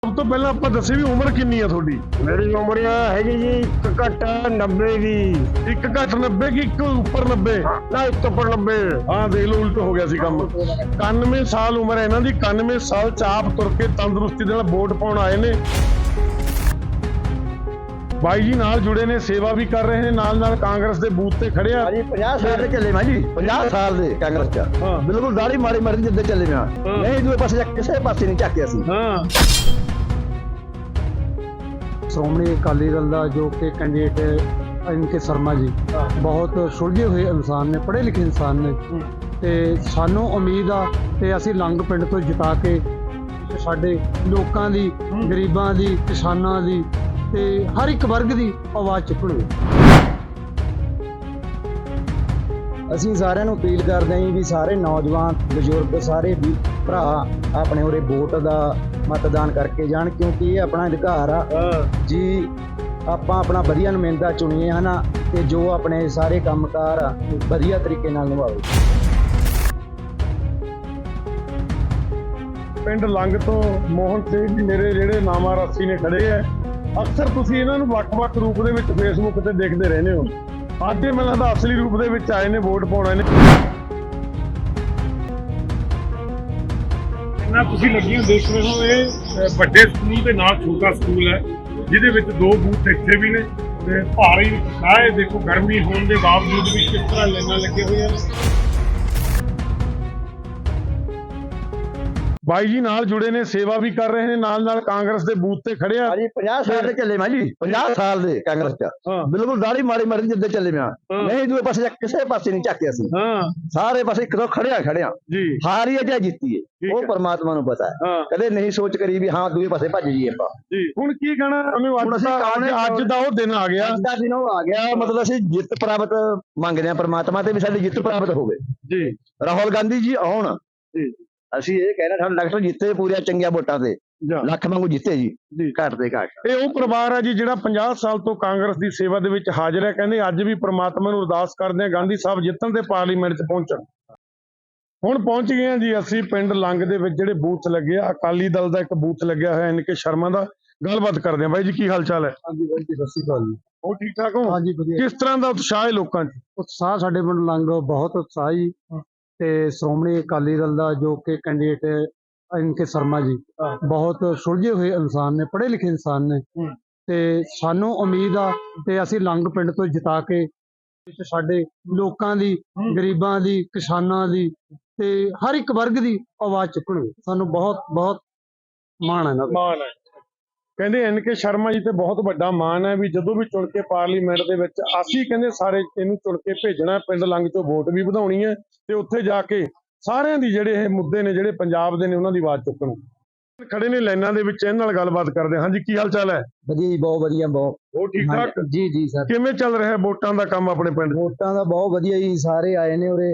ਸਭ ਤੋਂ ਪਹਿਲਾਂ ਆਪਾਂ ਦੱਸੇ ਵੀ ਉਮਰ ਕਿੰਨੀ ਆ ਤੁਹਾਡੀ? ਮੇਰੀ ਉਮਰ ਹੈਗੀ ਜੀ ਘੱਟ 90 ਦੀ। ਇੱਕ ਘੱਟ 90 ਕਿ ਇੱਕ ਉੱਪਰ 90? ਨਾ ਇੱਕ ਉੱਪਰ 90। ਹਾਂ ਦੇਖ ਲਓ, ਉਲਟ ਹੋ ਗਿਆ ਸੀ ਕੰਮ। 91 ਸਾਲ ਉਮਰ ਹੈ ਇਹਨਾਂ ਦੀ। 91 ਸਾਲ ਚ ਆਪ ਤੁਰ ਕੇ ਤੰਦਰੁਸਤੀ ਦੇ ਨਾਲ ਵੋਟ ਪਾਉਣ ਆਏ ਨੇ। ਬਾਈ ਜੀ ਨਾਲ ਜੁੜੇ ਨੇ, ਸੇਵਾ ਵੀ ਕਰ ਰਹੇ ਨੇ, ਨਾਲ ਕਾਂਗਰਸ ਦੇ ਬੂਥ ਤੇ ਖੜੇ ਆ। ਹਾਂਜੀ 50 ਸਾਲ ਦੇ ਚੱਲੇ ਮੈਂ ਜੀ, 50 ਸਾਲ ਦੇ ਕਾਂਗਰਸ ਚ। ਬਿਲਕੁਲ ਦਾੜੀ ਮਾੜੀ ਮਾਰੀ ਜਿੱਦੇ ਚੱਲੇ ਮੈਂ। ਨਹੀਂ ਦੂਏ ਪਾਸੇ ਕਿਸੇ ਪਾਸੇ ਨਹੀਂ ਝਾਕਿਆ ਸੀ। ਸ਼੍ਰੋਮਣੀ ਅਕਾਲੀ ਦਲ ਦਾ ਜੋ ਕਿ ਕੈਂਡੀਡੇਟ ਐਨ.ਕੇ. ਸ਼ਰਮਾ ਜੀ ਬਹੁਤ ਸੁਲਝੇ ਹੋਏ ਇਨਸਾਨ ਨੇ, ਪੜ੍ਹੇ ਲਿਖੇ ਇਨਸਾਨ ਨੇ, ਤੇ ਸਾਨੂੰ ਉਮੀਦ ਆ ਤੇ ਅਸੀਂ ਲੰਗ ਪਿੰਡ ਤੋਂ ਜਿਤਾ ਕੇ ਸਾਡੇ ਲੋਕਾਂ ਦੀ, ਗਰੀਬਾਂ ਦੀ, ਕਿਸਾਨਾਂ ਦੀ ਤੇ ਹਰ ਇੱਕ ਵਰਗ ਦੀ ਆਵਾਜ਼ ਚੁੱਕਣਗੇ। ਅਸੀਂ ਸਾਰਿਆਂ ਨੂੰ ਅਪੀਲ ਕਰਦੇ ਹਾਂ ਵੀ ਸਾਰੇ ਨੌਜਵਾਨ, ਬਜ਼ੁਰਗ, ਸਾਰੇ ਵੀ ਭਰਾ ਆਪਣੇ ਉਰੇ ਵੋਟ ਦਾ ਮਤਦਾਨ ਕਰਕੇ ਜਾਣ, ਕਿਉਂਕਿ ਇਹ ਆਪਣਾ ਅਧਿਕਾਰ ਆ ਜੀ। ਆਪਾਂ ਆਪਣਾ ਵਧੀਆ ਨੁਮਾਇੰਦਾ ਚੁਣੀਏ ਹਨਾ, ਤੇ ਜੋ ਆਪਣੇ ਸਾਰੇ ਕੰਮਕਾਰ ਆ ਵਧੀਆ ਤਰੀਕੇ ਨਾਲ ਨਿਭਾਵੇ। ਪਿੰਡ ਲੰਗ ਤੋਂ ਮੋਹਨ ਸਿੰਘ ਜੀ ਮੇਰੇ ਜਿਹੜੇ ਨਾਮਾ ਰਾਸੀ ਨੇ ਖੜੇ ਆ। ਅਕਸਰ ਤੁਸੀਂ ਇਹਨਾਂ ਨੂੰ ਵੱਖ-ਵੱਖ ਰੂਪ ਦੇ ਵਿੱਚ ਫੇਸਬੁੱਕ ਤੇ ਦੇਖਦੇ ਰਹਿੰਦੇ ਹੋ। ਅੱਜ ਇਹ ਮੈਨੂੰ ਲੱਗਦਾ ਅਸਲੀ ਰੂਪ ਦੇ ਵਿੱਚ ਆਏ ਨੇ, ਵੋਟ ਪਾਉਣ ਆਏ ਨੇ। ਇੰਨਾ ਤੁਸੀਂ ਲੱਗੀਆਂ ਦੇਖ ਰਹੇ ਹੋ, ਇਹ ਵੱਡੇ ਸਕੂਲ ਦੇ ਨਾਲ ਛੋਟਾ ਸਕੂਲ ਹੈ ਜਿਹਦੇ ਵਿੱਚ ਦੋ ਬੂਥ ਇੱਥੇ ਵੀ ਨੇ ਤੇ ਭਾਰੀ ਉਤਸ਼ਾਹ ਹੈ। ਦੇਖੋ ਗਰਮੀ ਹੋਣ ਦੇ ਬਾਵਜੂਦ ਵੀ ਕਿਸ ਤਰ੍ਹਾਂ ਲਾਈਨਾਂ ਲੱਗੇ ਹੋਈਆਂ ਨੇ। ਬਾਈ ਜੀ ਨਾਲ ਜੁੜੇ ਨੇ, ਸੇਵਾ ਵੀ ਕਰ ਰਹੇ ਨੇ, ਨਾਲ ਕਾਂਗਰਸ ਦੇ ਬੂਥ ਤੇ ਖੜੇ ਆ। ਹਾਂਜੀ 50 ਸਾਲ ਦੇ ਚੱਲੇ ਮੈਂ ਜੀ, 50 ਸਾਲ ਦੇ ਕਾਂਗਰਸ ਚ। ਬਿਲਕੁਲ ਦਾੜੀ ਮਾੜੀ ਮਾਰੀ ਜਿੱਦੇ ਚੱਲੇ ਮੈਂ। ਨਹੀਂ ਦੂਏ ਪਾਸੇ ਕਿਸੇ ਪਾਸੇ ਨਹੀਂ ਝਾਕਿਆ ਸੀ। ਸਾਰੇ ਪਾਸੇ ਇੱਕ ਤੋਂ ਖੜਿਆ ਜੀ। ਹਾਰੀ ਹੈ ਜਾਂ ਜਿੱਤੀ ਹੈ ਉਹ ਪਰਮਾਤਮਾ ਨੂੰ ਪਤਾ ਹੈ। ਕਦੇ ਨਹੀਂ ਸੋਚ ਕਰੀ ਵੀ ਹਾਂ ਦੂਏ ਪਾਸੇ ਭੱਜ ਜਾਈਏ ਆਪਾਂ ਜੀ। ਹੁਣ ਕੀ ਕਹਿਣਾ ਅੱਜ ਦਾ ਉਹ ਦਿਨ ਆ ਗਿਆ, ਅੱਜ ਦਾ ਦਿਨ ਉਹ ਆ ਗਿਆ। ਮਤਲਬ ਅਸੀਂ ਜਿੱਤ ਪ੍ਰਾਪਤ ਮੰਗਦੇ ਹਾਂ ਪਰਮਾਤਮਾ ਤੇ ਵੀ ਸਾਡੀ ਜਿੱਤ ਪ੍ਰਾਪਤ ਹੋਵੇ ਜੀ। ਰਾਹੁਲ ਗਾਂਧੀ ਜੀ ਆਉਣ ਜੀ। ਅਸੀਂ ਇਹ ਕਹਿਣਾ ਸਾਡੇ ਡਾਕਟਰ ਜਿੱਤੇ ਪੂਰੀਆਂ ਚੰਗੀਆਂ ਵੋਟਾਂ ਤੇ, ਲੱਖ ਵਾਂਗੂ ਜਿੱਤੇ ਜੀ, ਘੱਟ ਤੇ ਘੱਟ। ਇਹ ਉਹ ਪਰਿਵਾਰ ਹੈ ਜੀ ਜਿਹੜਾ 50 ਸਾਲ ਤੋਂ ਕਾਂਗਰਸ ਦੀ ਸੇਵਾ ਦੇ ਵਿੱਚ ਹਾਜ਼ਰ ਹੈ। ਕਹਿੰਦੇ ਅੱਜ ਵੀ ਪ੍ਰਮਾਤਮਾ ਨੂੰ ਅਰਦਾਸ ਕਰਦੇ ਆ ਗਾਂਧੀ ਸਾਹਿਬ ਜਿੱਤਣ ਤੇ ਪਾਰਲੀਮੈਂਟ 'ਚ ਪਹੁੰਚਣ। ਹੁਣ ਪਹੁੰਚ ਗਏ ਆ ਜੀ ਅਸੀਂ ਪਿੰਡ ਲੰਗ ਦੇ ਵਿੱਚ ਜਿਹੜੇ ਬੂਥ ਲੱਗੇ ਆ। ਅਕਾਲੀ ਦਲ ਦਾ ਇੱਕ ਬੂਥ ਲੱਗਿਆ ਹੋਇਆ ਐਨ.ਕੇ. ਸ਼ਰਮਾ ਦਾ। ਗੱਲਬਾਤ ਕਰਦੇ ਆ। ਬਾਈ ਜੀ ਕੀ ਹਾਲ ਚਾਲ ਹੈ? ਹਾਂਜੀ ਬਾਈ ਜੀ, ਸਤਿ ਸ਼੍ਰੀ ਅਕਾਲ ਜੀ। ਉਹ ਠੀਕ ਠਾਕ ਹੋ? ਹਾਂਜੀ ਵਧੀਆ। ਕਿਸ ਤਰ੍ਹਾਂ ਦਾ ਉਤਸ਼ਾਹ ਹੈ ਲੋਕਾਂ 'ਚ? ਉਤਸ਼ਾਹ ਸਾਡੇ ਪਿੰਡ ਲੰਗ ਬਹੁਤ ਉਤਸ਼ਾਹ ਜੀ। ਤੇ ਸ਼੍ਰੋਮਣੀ ਅਕਾਲੀ ਦਲ ਦਾ ਜੋ ਕਿ ਕੈਂਡੀਡੇਟ ਐਨ.ਕੇ. ਸ਼ਰਮਾ ਜੀ ਬਹੁਤ ਸੁਲਝੇ ਹੋਏ ਇਨਸਾਨ ਨੇ, ਪੜ੍ਹੇ ਲਿਖੇ ਇਨਸਾਨ ਨੇ, ਤੇ ਸਾਨੂੰ ਉਮੀਦ ਆ ਤੇ ਅਸੀਂ ਲੰਗ ਪਿੰਡ ਤੋਂ ਜਿਤਾ ਕੇ ਸਾਡੇ ਲੋਕਾਂ ਦੀ, ਗਰੀਬਾਂ ਦੀ, ਕਿਸਾਨਾਂ ਦੀ ਤੇ ਹਰ ਇੱਕ ਵਰਗ ਦੀ ਆਵਾਜ਼ ਚੁੱਕਣਗੇ। ਸਾਨੂੰ ਬਹੁਤ ਬਹੁਤ ਮਾਣ ਹੈ। ਮਾਣ ਹੈ। ਕਹਿੰਦੇ ਐਨ.ਕੇ. ਸ਼ਰਮਾ ਜੀ ਤੇ ਬਹੁਤ ਵੱਡਾ ਮਾਣ ਹੈ ਵੀ ਜਦੋਂ ਵੀ ਚੁਣ ਕੇ ਪਾਰਲੀਮੈਂਟ ਦੇ ਵਿੱਚ ਅਸੀਂ ਕਹਿੰਦੇ ਸਾਰੇ ਇਹਨੂੰ ਚੁਣ ਕੇ ਭੇਜਣਾ, ਪਿੰਡ ਲੰਗ ਚੋਂ ਵੋਟ ਵੀ ਵਧਾਉਣੀ ਹੈ ਤੇ ਉੱਥੇ ਜਾ ਕੇ ਸਾਰਿਆਂ ਦੀ ਜਿਹੜੇ ਇਹ ਮੁੱਦੇ ਨੇ ਜਿਹੜੇ ਪੰਜਾਬ ਦੇ ਨੇ ਉਹਨਾਂ ਦੀ ਆਵਾਜ਼ ਚੁੱਕਣ। ਖੜੇ ਨੇ ਲਾਈਨਾਂ ਦੇ ਵਿੱਚ, ਇਹਨਾਂ ਨਾਲ ਗੱਲਬਾਤ ਕਰਦੇ ਹਾਂ। ਹਾਂਜੀ ਕੀ ਹਾਲ ਚਾਲ ਹੈ? ਵਧੀਆ ਜੀ, ਬਹੁਤ ਵਧੀਆ। ਬਹੁਤ ਉਹ ਠੀਕ ਠਾਕ ਜੀ। ਜੀ ਸਰ, ਕਿਵੇਂ ਚੱਲ ਰਿਹਾ ਵੋਟਾਂ ਦਾ ਕੰਮ ਆਪਣੇ ਪਿੰਡ? ਵੋਟਾਂ ਦਾ ਬਹੁਤ ਵਧੀਆ ਜੀ, ਸਾਰੇ ਆਏ ਨੇ ਉਰੇ।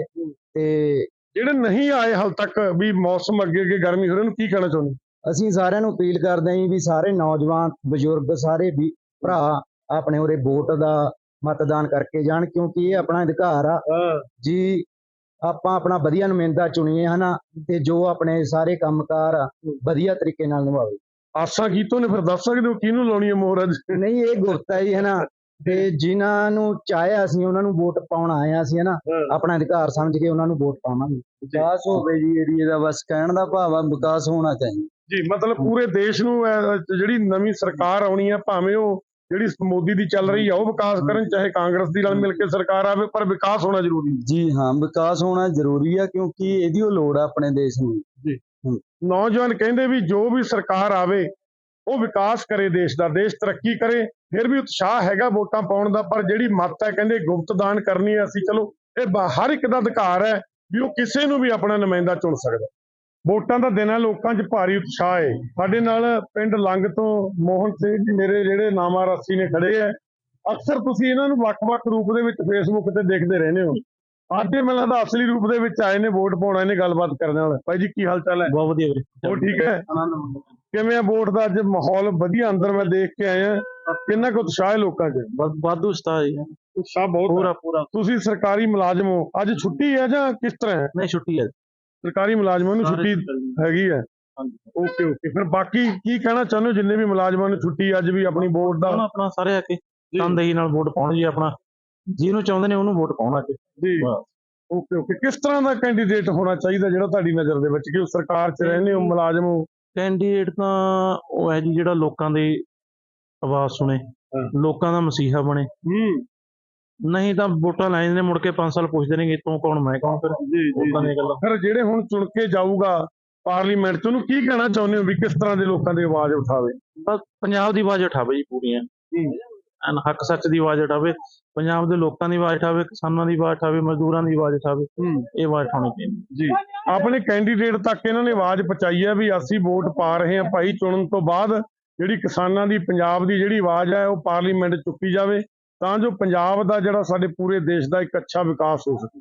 ਤੇ ਜਿਹੜੇ ਨਹੀਂ ਆਏ ਹਾਲ ਤੱਕ ਵੀ ਮੌਸਮ ਅੱਗੇ ਗਰਮੀ ਹੋ ਰਹੀ, ਉਹਨੂੰ ਕੀ ਕਹਿਣਾ ਚਾਹੁੰਦੇ? ਅਸੀਂ ਸਾਰਿਆਂ ਨੂੰ ਅਪੀਲ ਕਰਦੇ ਹਾਂ ਵੀ ਸਾਰੇ ਨੌਜਵਾਨ, ਬਜ਼ੁਰਗ, ਸਾਰੇ ਵੀ ਭਰਾ ਆਪਣੇ ਉਰੇ ਵੋਟ ਦਾ ਮਤਦਾਨ ਕਰਕੇ ਜਾਣ, ਕਿਉਂਕਿ ਇਹ ਆਪਣਾ ਅਧਿਕਾਰ ਆ ਜੀ। ਆਪਾਂ ਆਪਣਾ ਵਧੀਆ ਨੁਮਾਇੰਦਾ ਚੁਣੀਏ ਹਨਾ, ਤੇ ਜੋ ਆਪਣੇ ਸਾਰੇ ਕੰਮਕਾਰ ਆ ਵਧੀਆ ਤਰੀਕੇ ਨਾਲ ਨਿਭਾਵੇ। ਆਸਾਂ ਕੀਤੋਂ ਨੇ ਫਿਰ ਦੱਸ ਸਕਦੇ ਹੋ ਕਿਹਨੂੰ ਲਾਉਣੀ ਹੈ ਮੋਹਰ ਅੱਜ? ਨਹੀਂ ਇਹ ਗੁਰਤ ਹੈ ਜੀ ਹਨਾ, ਤੇ ਜਿਨ੍ਹਾਂ ਨੂੰ ਚਾਹਿਆ ਅਸੀਂ ਉਹਨਾਂ ਨੂੰ ਵੋਟ ਪਾਉਣ ਆਏ ਆ ਅਸੀਂ ਹਨਾ, ਆਪਣਾ ਅਧਿਕਾਰ ਸਮਝ ਕੇ ਉਹਨਾਂ ਨੂੰ ਵੋਟ ਪਾਵਾਂਗੇ। ਵਿਕਾਸ ਹੋਵੇ ਜੀ ਏਰੀਏ ਦਾ, ਬਸ ਕਹਿਣ ਦਾ ਭਾਵ ਆ ਵਿਕਾਸ ਹੋਣਾ ਚਾਹੀਦਾ ਜੀ। ਮਤਲਬ ਪੂਰੇ ਦੇਸ਼ ਨੂੰ ਜਿਹੜੀ ਨਵੀਂ ਸਰਕਾਰ ਆਉਣੀ ਹੈ, ਭਾਵੇਂ ਉਹ ਜਿਹੜੀ ਮੋਦੀ ਦੀ ਚੱਲ ਰਹੀ ਆ ਉਹ ਵਿਕਾਸ ਕਰਨ, ਚਾਹੇ ਕਾਂਗਰਸ ਦੀ ਨਾਲ ਮਿਲ ਕੇ ਸਰਕਾਰ ਆਵੇ, ਪਰ ਵਿਕਾਸ ਹੋਣਾ ਜ਼ਰੂਰੀ ਹੈ ਜੀ। ਹਾਂ ਵਿਕਾਸ ਹੋਣਾ ਜ਼ਰੂਰੀ ਆ, ਕਿਉਂਕਿ ਇਹਦੀ ਉਹ ਲੋੜ ਆ ਆਪਣੇ ਦੇਸ਼ ਨੂੰ ਜੀ। ਨੌਜਵਾਨ ਕਹਿੰਦੇ ਵੀ ਜੋ ਵੀ ਸਰਕਾਰ ਆਵੇ ਉਹ ਵਿਕਾਸ ਕਰੇ ਦੇਸ਼ ਦਾ, ਦੇਸ਼ ਤਰੱਕੀ ਕਰੇ। ਫਿਰ ਵੀ ਉਤਸ਼ਾਹ ਹੈਗਾ ਵੋਟਾਂ ਪਾਉਣ ਦਾ, ਪਰ ਜਿਹੜੀ ਮੱਤ ਹੈ ਕਹਿੰਦੇ ਗੁਪਤ ਦਾਨ ਕਰਨੀ ਹੈ। ਅਸੀਂ ਚਲੋ ਇਹ ਹਰ ਇੱਕ ਦਾ ਅਧਿਕਾਰ ਹੈ ਵੀ ਉਹ ਕਿਸੇ ਨੂੰ ਵੀ ਆਪਣਾ ਨੁਮਾਇੰਦਾ ਚੁਣ ਸਕਦਾ। ਵੋਟਾਂ ਦਾ ਦਿਨ ਹੈ, ਲੋਕਾਂ 'ਚ ਭਾਰੀ ਉਤਸ਼ਾਹ ਹੈ। ਸਾਡੇ ਨਾਲ ਪਿੰਡ ਲੰਗ ਤੋਂ ਮੋਹਨ ਸਿੰਘ ਜੀ ਮੇਰੇ ਜਿਹੜੇ ਨਾਮਾ ਰਾਸੀ ਨੇ ਖੜੇ ਆ। ਅਕਸਰ ਤੁਸੀਂ ਇਹਨਾਂ ਨੂੰ ਵੱਖ-ਵੱਖ ਰੂਪ ਦੇ ਵਿੱਚ ਫੇਸਬੁੱਕ ਤੇ ਦੇਖਦੇ ਰਹਿੰਦੇ ਹੋ। ਅੱਜ ਇਹ ਮੈਨੂੰ ਲੱਗਦਾ ਅਸਲੀ ਰੂਪ ਦੇ ਵਿੱਚ ਆਏ ਨੇ, ਵੋਟ ਪਾਉਣ ਆਏ ਨੇ। ਗੱਲਬਾਤ ਕਰਨ ਨਾਲ ਬਾਈ ਜੀ ਕੀ ਹਾਲ ਚਾਲ ਹੈ? ਬਹੁਤ ਵਧੀਆ। ਉਹ ਠੀਕ ਹੈ। ਕਿਵੇਂ ਆ ਵੋਟ ਦਾ ਅੱਜ ਮਾਹੌਲ? ਵਧੀਆ, ਅੰਦਰ ਮੈਂ ਦੇਖ ਕੇ ਆਇਆ। ਕਿੰਨਾ ਕੁ ਉਤਸ਼ਾਹ ਹੈ ਲੋਕਾਂ 'ਚ? ਵਾਧੂ ਉਤਸ਼ਾਹ ਜੀ, ਉਤਸ਼ਾਹ ਬਹੁਤ ਪੂਰਾ। ਤੁਸੀਂ ਸਰਕਾਰੀ ਮੁਲਾਜ਼ਮ ਹੋ, ਅੱਜ ਛੁੱਟੀ ਹੈ ਜਾਂ ਕਿਸ ਤਰ੍ਹਾਂ ਹੈ? ਨਹੀਂ ਛੁੱਟੀ ਹੈ, ਸਰਕਾਰੀ ਮੁਲਾਜ਼ਮਾਂ ਨੂੰ ਛੁੱਟੀ ਹੈਗੀ ਹੈ। ਓਕੇ ਓਕੇ, ਫਿਰ ਬਾਕੀ ਕੀ ਕਹਿਣਾ ਚਾਹੁੰਦੇ ਹੋ ਜਿੰਨੇ ਵੀ ਮੁਲਾਜ਼ਮਾਂ ਨੂੰ ਛੁੱਟੀ ਅੱਜ ਵੀ ਆਪਣੀ ਵੋਟ ਦਾ? ਆਪਣਾ ਸਾਰੇ ਆ ਕੇ ਤਨਦੇਹੀ ਨਾਲ ਵੋਟ ਪਾਉਣ ਜੀ, ਆਪਣਾ ਜਿਹਨੂੰ ਚਾਹੁੰਦੇ ਨੇ ਉਹਨੂੰ ਵੋਟ ਪਾਉਣ ਅੱਜ। ਜੀ ਓਕੇ ਓਕੇ, ਕਿਸ ਤਰ੍ਹਾਂ ਦਾ ਕੈਂਡੀਡੇਟ ਹੋਣਾ ਚਾਹੀਦਾ ਜਿਹੜਾ ਤੁਹਾਡੀ ਨਜ਼ਰ ਦੇ ਵਿੱਚ, ਕਿ ਉਹ ਸਰਕਾਰ 'ਚ ਰਹਿੰਦੇ ਹੋ ਮੁਲਾਜ਼ਮ ਹੋ? ਕੈਂਡੀਡੇਟ ਤਾਂ ਉਹ ਹੈ ਜੀ ਜਿਹੜਾ ਲੋਕਾਂ ਦੀ ਆਵਾਜ਼ ਸੁਣੇ, ਲੋਕਾਂ ਦਾ ਮਸੀਹਾ ਬਣੇ। ਨਹੀਂ ਤਾਂ ਵੋਟਾਂ ਲੈ ਜਾਂਦੇ ਨੇ, ਮੁੜ ਕੇ 5 ਸਾਲ ਪੁੱਛਦੇ ਨੇ ਤੂੰ ਕੌਣ ਮੈਂ ਕੌਣ। ਫਿਰ ਲੋਕਾਂ ਦੀਆਂ ਗੱਲਾਂ। ਫਿਰ ਜਿਹੜੇ ਹੁਣ ਚੁਣ ਕੇ ਜਾਊਗਾ ਪਾਰਲੀਮੈਂਟ 'ਚ, ਉਹਨੂੰ ਕੀ ਕਹਿਣਾ ਚਾਹੁੰਦੇ ਹੋ ਵੀ ਕਿਸ ਤਰ੍ਹਾਂ ਦੇ ਲੋਕਾਂ ਦੀ ਆਵਾਜ਼ ਉਠਾਵੇ? ਬਸ ਪੰਜਾਬ ਦੀ ਆਵਾਜ਼ ਉਠਾਵੇ ਜੀ ਪੂਰੀਆਂ, ਹੱਕ ਸੱਚ ਦੀ ਆਵਾਜ਼ ਉਠਾਵੇ, ਪੰਜਾਬ ਦੇ ਲੋਕਾਂ ਦੀ ਆਵਾਜ਼ ਉਠਾਵੇ, ਕਿਸਾਨਾਂ ਦੀ ਆਵਾਜ਼ ਉਠਾਵੇ, ਮਜ਼ਦੂਰਾਂ ਦੀ ਆਵਾਜ਼ ਉਠਾਵੇ। ਇਹ ਆਵਾਜ਼ ਉਠਾਉਣੀ ਚਾਹੀਦੀ ਜੀ। ਆਪਣੇ ਕੈਂਡੀਡੇਟ ਤੱਕ ਇਹਨਾਂ ਨੇ ਆਵਾਜ਼ ਪਹੁੰਚਾਈ ਹੈ ਵੀ ਅਸੀਂ ਵੋਟ ਪਾ ਰਹੇ ਹਾਂ ਭਾਈ, ਚੁਣਨ ਤੋਂ ਬਾਅਦ ਜਿਹੜੀ ਕਿਸਾਨਾਂ ਦੀ, ਪੰਜਾਬ ਦੀ ਜਿਹੜੀ ਆਵਾਜ਼ ਹੈ ਉਹ ਪਾਰਲੀਮੈਂਟ 'ਚ ਚੁੱਕੀ ਜਾਵੇ, ਤਾਂ ਜੋ ਪੰਜਾਬ ਦਾ ਜਿਹੜਾ ਸਾਡੇ ਪੂਰੇ ਦੇਸ਼ ਦਾ ਇੱਕ ਅੱਛਾ ਵਿਕਾਸ ਹੋ ਸਕੇ।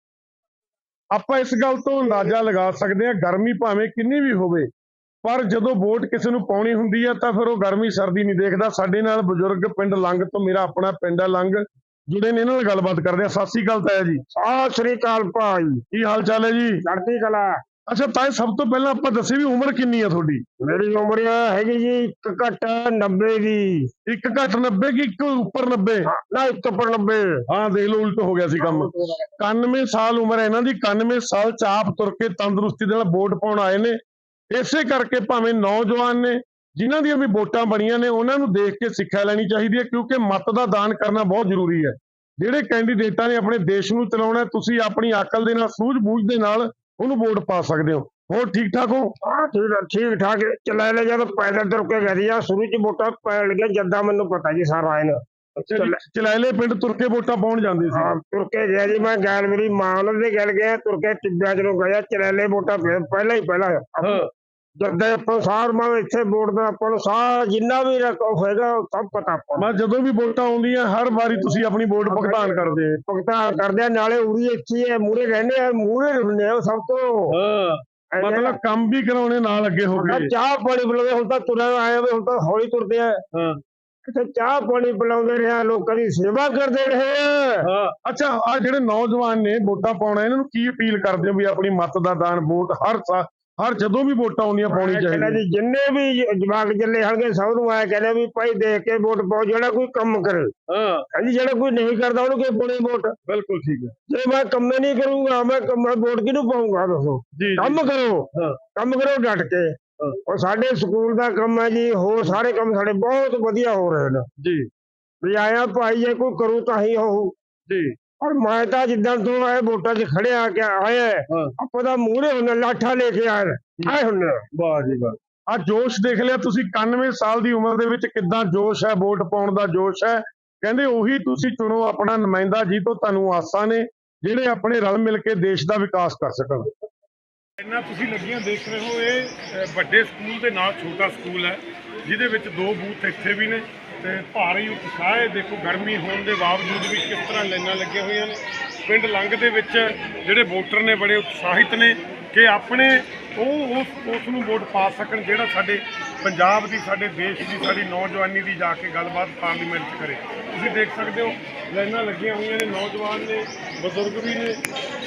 ਆਪਾਂ ਇਸ ਗੱਲ ਤੋਂ ਅੰਦਾਜ਼ਾ ਲਗਾ ਸਕਦੇ ਹਾਂ, ਗਰਮੀ ਭਾਵੇਂ ਕਿੰਨੀ ਵੀ ਹੋਵੇ, ਪਰ ਜਦੋਂ ਵੋਟ ਕਿਸੇ ਨੂੰ ਪਾਉਣੀ ਹੁੰਦੀ ਹੈ ਤਾਂ ਫਿਰ ਉਹ ਗਰਮੀ ਸਰਦੀ ਨਹੀਂ ਦੇਖਦਾ। ਸਾਡੇ ਨਾਲ ਬਜ਼ੁਰਗ ਪਿੰਡ ਲੰਗ ਤੋਂ, ਮੇਰਾ ਆਪਣਾ ਪਿੰਡ ਹੈ ਲੰਗ, ਜੁੜੇ ਨੇ, ਇਹਨਾਂ ਨਾਲ ਗੱਲਬਾਤ ਕਰਦੇ ਆ। ਸਤਿ ਸ੍ਰੀ ਅਕਾਲ ਤਾਇਆ ਜੀ। ਸਤਿ ਸ੍ਰੀ ਅਕਾਲ ਭਾਈ, ਕੀ ਹਾਲ ਚਾਲ ਹੈ ਜੀ? ਚੜ੍ਹਦੀ ਕਲਾ। ਅੱਛਾ ਤਾਇਆ, ਸਭ ਤੋਂ ਪਹਿਲਾਂ ਆਪਾਂ ਦੱਸੇ ਵੀ ਉਮਰ ਕਿੰਨੀ ਆ ਤੁਹਾਡੀ? ਮੇਰੀ ਉਮਰ ਹੈਗੀ ਜੀ 1 ਘੱਟ 90 ਦੀ। 1 ਘੱਟ 90 ਕਿ 1 ਉੱਪਰ 90? ਨਾ 1 ਉੱਪਰ 90। ਹਾਂ ਦੇਖ ਲਓ, ਉਲਟ ਹੋ ਗਿਆ ਸੀ ਕੰਮ। 91 ਸਾਲ ਉਮਰ ਹੈ ਇਹਨਾਂ ਦੀ। 91 ਸਾਲ ਚ ਆਪ ਤੁਰ ਕੇ ਤੰਦਰੁਸਤੀ ਦੇ ਨਾਲ ਵੋਟ ਪਾਉਣ ਆਏ ਨੇ। ਇਸੇ ਕਰਕੇ ਭਾਵੇਂ ਨੌਜਵਾਨ ਨੇ, ਜਿਨ੍ਹਾਂ ਦੀਆਂ ਵੀ ਵੋਟਾਂ ਬਣੀਆਂ ਨੇ, ਉਹਨਾਂ ਨੂੰ ਦੇਖ ਕੇ ਸਿੱਖਿਆ ਲੈਣੀ ਚਾਹੀਦੀ ਹੈ, ਕਿਉਂਕਿ ਮਤ ਦਾ ਦਾਨ ਕਰਨਾ ਬਹੁਤ ਜ਼ਰੂਰੀ ਹੈ। ਜਿਹੜੇ ਕੈਂਡੀਡੇਟਾਂ ਨੇ ਆਪਣੇ ਦੇਸ਼ ਨੂੰ ਚਲਾਉਣਾ, ਤੁਸੀਂ ਆਪਣੀ ਅਕਲ ਦੇ ਨਾਲ, ਸੂਝ-ਬੂਝ ਦੇ ਨਾਲ ਉਹਨੂੰ ਵੋਟ ਪਾ ਸਕਦੇ ਹੋ। ਹੋਰ ਠੀਕ ਠਾਕ ਹੋ? ਹਾਂ ਠੀਕ ਠਾਕ। ਚਲਾ ਲੈ ਜਦ ਪੈਦਲ ਤੁਰ ਕੇ ਗਈ ਆ, ਸ਼ੁਰੂ ਚ ਵੋਟਾਂ ਪੈਣ ਲੱਗਿਆ ਜਦਾਂ ਮੈਨੂੰ ਪਤਾ ਜੀ ਸਾਰਾ ਇਹਨਾਂ। ਚਲਾਇਲੇ ਪਿੰਡ ਤੁਰ ਕੇ ਵੋਟਾਂ ਪਾਉਣ ਜਾਂਦੇ ਸੀ? ਹਾਂ ਤੁਰ ਕੇ ਗਿਆ ਜੀ ਮੈਂ, ਗੈਲ ਮੇਰੀ ਮਾਂ ਉਹਨਾਂ ਦੇ ਗੈਲ ਗਿਆ, ਤੁਰ ਕੇ ਟਿੱਬਿਆਂ ਚ ਨੂੰ ਗਿਆ, ਚਲੈਲੇ ਵੋਟਾਂ ਪਹਿਲਾਂ ਹੀ ਪਹਿਲਾਂ ਜਦੋਂ ਆਪਾਂ ਸਾਰ ਮੈਂ ਇੱਥੇ ਵੋਟ ਦਾ ਆਪਾਂ ਨੂੰ ਸਾਰ ਜਿੰਨਾ ਵੀ ਹੋਏਗਾ ਸਭ ਪਤਾ ਆਪਾਂ ਨੂੰ। ਜਦੋਂ ਵੀ ਵੋਟਾਂ ਆਉਂਦੀਆਂ ਹਰ ਵਾਰੀ ਤੁਸੀਂ ਆਪਣੀ ਵੋਟ ਭੁਗਤਾਨ ਕਰਦੇ ਹੋ? ਭੁਗਤਾਨ ਕਰਦੇ ਆ, ਨਾਲੇ ਉਰੀ ਇੱਥੇ ਹੈ, ਮੂਹਰੇ ਰਹਿੰਦੇ ਆ, ਮੂਹਰੇ ਰਹਿੰਦੇ ਆ ਸਭ ਤੋਂ। ਮਤਲਬ ਕੰਮ ਵੀ ਕਰਾਉਣੇ ਨਾਲ ਅੱਗੇ ਹੋ ਕੇ। ਚਾਹ ਪਾਣੀ ਪਿਲਾਉਂਦੇ, ਹੁਣ ਤਾਂ ਤੁਰੇ ਆਏ ਹੁਣ ਤਾਂ ਹੌਲੀ ਤੁਰਦੇ ਆ। ਇੱਥੇ ਚਾਹ ਪਾਣੀ ਪਿਲਾਉਂਦੇ ਰਹੇ, ਲੋਕਾਂ ਦੀ ਸੇਵਾ ਕਰਦੇ ਰਹੇ। ਅੱਛਾ, ਆ ਜਿਹੜੇ ਨੌਜਵਾਨ ਨੇ ਵੋਟਾਂ ਪਾਉਣਾ, ਇਹਨਾਂ ਨੂੰ ਕੀ ਅਪੀਲ ਕਰਦੇ ਹੋ ਵੀ ਆਪਣੀ ਮਤ ਦਾ ਦਾਨ, ਵੋਟ ਹਰ ਜਦੋਂ ਵੀ ਵੋਟਾਂ ਆਉਂਦੀਆਂ ਪਾਉਣੀ ਚਾਹੀਦੀ? ਜਿੰਨੇ ਵੀ ਜਵਾਕ ਚੱਲੇ ਹੋਣਗੇ ਸਭ ਨੂੰ ਆਇਆ ਕਹਿੰਦੇ ਵੀ ਭਾਈ ਦੇਖ ਕੇ ਵੋਟ ਪਾਓ, ਜਿਹੜਾ ਕੋਈ ਕੰਮ ਕਰੇ। ਹਾਂਜੀ, ਜਿਹੜਾ ਕੋਈ ਨਹੀਂ ਕਰਦਾ ਉਹਨੂੰ ਕਿਉਂ ਪਾਉਣੀ ਵੋਟ? ਬਿਲਕੁਲ ਠੀਕ ਹੈ। ਜੇ ਮੈਂ ਕੰਮ ਨਹੀਂ ਕਰੂੰਗਾ, ਮੈਂ ਵੋਟ ਕਿਹਨੂੰ ਪਾਊਂਗਾ? ਦੱਸੋ। ਕੰਮ ਕਰੋ, ਕੰਮ ਕਰੋ ਡਟ ਕੇ। ਉਹ ਸਾਡੇ ਸਕੂਲ ਦਾ ਕੰਮ ਹੈ ਜੀ, ਹੋਰ ਸਾਰੇ ਕੰਮ ਸਾਡੇ ਬਹੁਤ ਵਧੀਆ ਹੋ ਰਹੇ ਨੇ ਜੀ। ਵੀ ਆਇਆ ਭਾਈ ਜੇ ਕੋਈ ਕਰੂ ਤਾਂ ਹੀ ਹੋਊ ਜੀ। ਔਰ ਮੈਂ ਤਾਂ ਜਿੱਦਾਂ ਤੋਂ ਆਏ ਵੋਟਾਂ 'ਚ ਖੜਿਆ ਕਿ ਆਏ ਆਪਾਂ ਤਾਂ ਮੂਹਰੇ ਹੁੰਦੇ, ਲਾਠਾ ਲੈ ਕੇ ਆਏ ਹੁੰਦੇ। ਵਾਹ ਜੀ ਵਾਹ। ਆ ਜੋਸ਼ ਦੇਖ ਲਿਆ ਤੁਸੀਂ, 91 ਸਾਲ ਦੀ ਉਮਰ ਦੇ ਵਿੱਚ ਕਿੱਦਾਂ ਜੋਸ਼ ਹੈ, ਵੋਟ ਪਾਉਣ ਦਾ ਜੋਸ਼ ਹੈ। ਕਹਿੰਦੇ ਉਹੀ ਤੁਸੀਂ ਚੁਣੋ ਆਪਣਾ ਨੁਮਾਇੰਦਾ, ਜੀ ਤੋਂ ਤੁਹਾਨੂੰ ਆਸਾਂ ਨੇ, ਜਿਹੜੇ ਆਪਣੇ ਰਲ ਮਿਲ ਕੇ ਦੇਸ਼ ਦਾ ਵਿਕਾਸ ਕਰ ਸਕਣ। ਇੰਨਾ ਤੁਸੀਂ ਲੱਗੀਆਂ ਦੇਖ ਰਹੇ ਹੋ, ਇਹ ਵੱਡੇ ਸਕੂਲ ਦੇ ਨਾਲ ਛੋਟਾ ਸਕੂਲ ਹੈ, ਜਿਹਦੇ ਵਿੱਚ 2 ਬੂਥ ਇੱਥੇ ਵੀ ਨੇ ਤੇ ਭਾਰੀ ਉਤਸ਼ਾਹ ਹੈ। ਦੇਖੋ ਗਰਮੀ ਹੋਣ ਦੇ ਬਾਵਜੂਦ ਵੀ ਕਿਸ ਤਰ੍ਹਾਂ ਲਾਈਨਾਂ ਲੱਗੀਆਂ ਹੋਈਆਂ ਨੇ। ਪਿੰਡ ਲੰਗ ਦੇ ਵਿੱਚ ਜਿਹੜੇ ਵੋਟਰ ਨੇ ਬੜੇ ਉਤਸ਼ਾਹਿਤ ਨੇ ਕਿ ਆਪਣੇ ਉਸ ਨੂੰ ਵੋਟ ਪਾ ਸਕਣ, ਜਿਹੜਾ ਸਾਡੇ ਪੰਜਾਬ ਦੀ, ਸਾਡੇ ਦੇਸ਼ ਦੀ, ਸਾਡੀ ਨੌਜਵਾਨੀ ਦੀ ਜਾ ਕੇ ਗੱਲਬਾਤ ਪਾਰਲੀਮੈਂਟ 'ਚ ਕਰੇ। ਤੁਸੀਂ ਦੇਖ ਸਕਦੇ ਹੋ ਲਾਈਨਾਂ ਲੱਗੀਆਂ ਹੋਈਆਂ ਨੇ, ਨੌਜਵਾਨ ਨੇ, ਬਜ਼ੁਰਗ ਵੀ ਨੇ।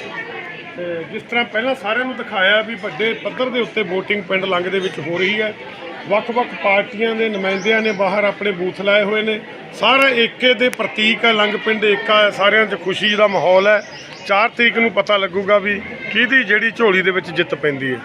ਤੇ ਜਿਸ ਤਰ੍ਹਾਂ ਪਹਿਲਾਂ ਸਾਰਿਆਂ ਨੂੰ ਦਿਖਾਇਆ ਵੀ ਵੱਡੇ ਪੱਧਰ ਦੇ ਉੱਤੇ ਵੋਟਿੰਗ ਪਿੰਡ ਲੰਗ ਦੇ ਵਿੱਚ ਹੋ ਰਹੀ ਹੈ। ਵੱਖ-ਵੱਖ ਪਾਰਟੀਆਂ ਦੇ ਨੁਮਾਇੰਦਿਆਂ ਨੇ ਬਾਹਰ ਆਪਣੇ ਬੂਥ ਲਾਏ ਹੋਏ ਨੇ। ਸਾਰਾ ਏਕੇ ਦੇ ਪ੍ਰਤੀਕ ਹੈ, ਲੰਗ ਪਿੰਡ ਏਕਾ ਹੈ, ਸਾਰਿਆਂ 'ਚ ਖੁਸ਼ੀ ਦਾ ਮਾਹੌਲ ਹੈ। 4 ਤਰੀਕ ਨੂੰ ਪਤਾ ਲੱਗੂਗਾ ਵੀ ਕਿਹਦੀ ਜਿਹੜੀ ਝੋਲੀ ਦੇ ਵਿੱਚ ਜਿੱਤ ਪੈਂਦੀ ਹੈ।